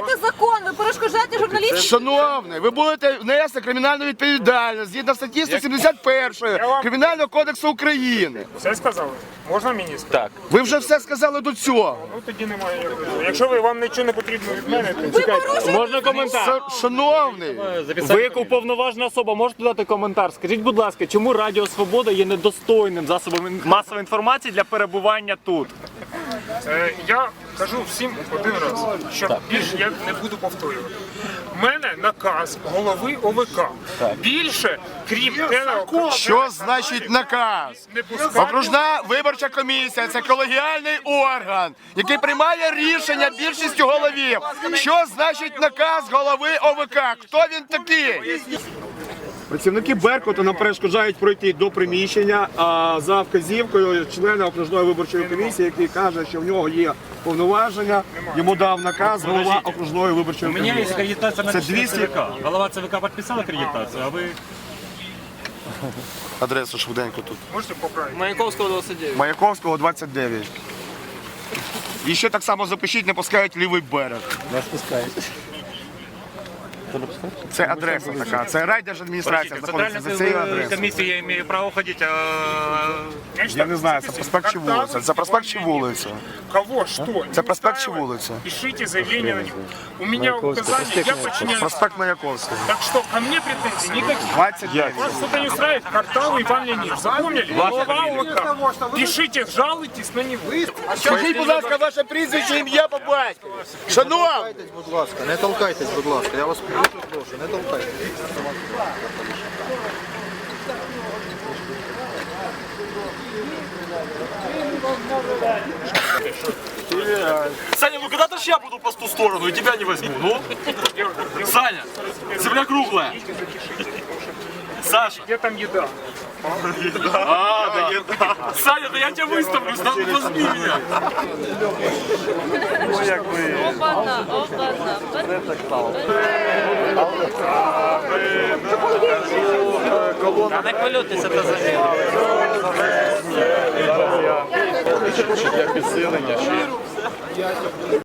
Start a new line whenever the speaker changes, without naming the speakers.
порушуєте закон, ви перешкоджаєте журналістам.
Шановний, ви будете нести кримінальну відповідальність згідно статті 171 Кримінального кодексу України.
Все сказали? Можна мені сказати?
Так.
Ви вже все сказали до цього.
Ну тоді немає як вирішити. Якщо вам нічого не потрібно від мене, то
Ви порушуєте
Можна коментар?
Шановний,
Ви як уповноважена особа можете дати коментар? Скажіть, будь ласка, чому Радіо Свобода є недостойним засобом масової інформації для перебування тут?
я кажу всім один раз, що більше я не буду повторювати. У мене наказ голови ОВК. Більше, крім телеоканалу,
що значить наказ?
не пускати.
Окружна виборча комісія – це колегіальний орган, який приймає рішення більшістю голів. Що значить наказ голови ОВК? Хто він такий? Працівники Беркуту нам перешкоджають пройти до приміщення за вказівкою члена окружної виборчої комісії, який каже, що в нього є повноваження, йому дав наказ голова окружної виборчої
У меня есть
комісії.
аккредитация на
Це
члена
200.
ЦВК. Голова ЦВК подписал аккредитацию, а вы...
Адресу швиденько тут.
Можете поправити?
Маяковського 29.
Маяковського, 29. І ще так само запишіть, не пускають лівий берег.
Нас пускають.
Це адреса така, це райдержадміністрація знаходиться за цією адресою.
комиссии я имею право ходить,
Я не знаю, це проспект чи вулиця. Це проспект чи вулиця?
Кого, что?
Це проспект чи вулиця?
Пишите заявление на него. У меня указания, я подчиняюсь.
Проспект Маяковського.
Так что, ко мне претензий никаких.
29.
Вас что-то не устраивает, картавый Иван Леонидович. Запомнили? Голова ОВК. Пишите, жалуйтесь на него.
Скажіть, будь ласка, ваше прізвище, ім'я по батькові. Шановні!
Будь ласка, не толкайтесь, будь ласка. Я вас дуже прошу, не толкайтесь.
Саня, ну когда-то ж я буду по ту сторону и тебя не возьму, ну? Саня, земля круглая. Саша.
Где там еда?
Да. Саня, да я тебя выставлю, возьми меня.
Опана, опана.
Та не хвилюйтеся, та за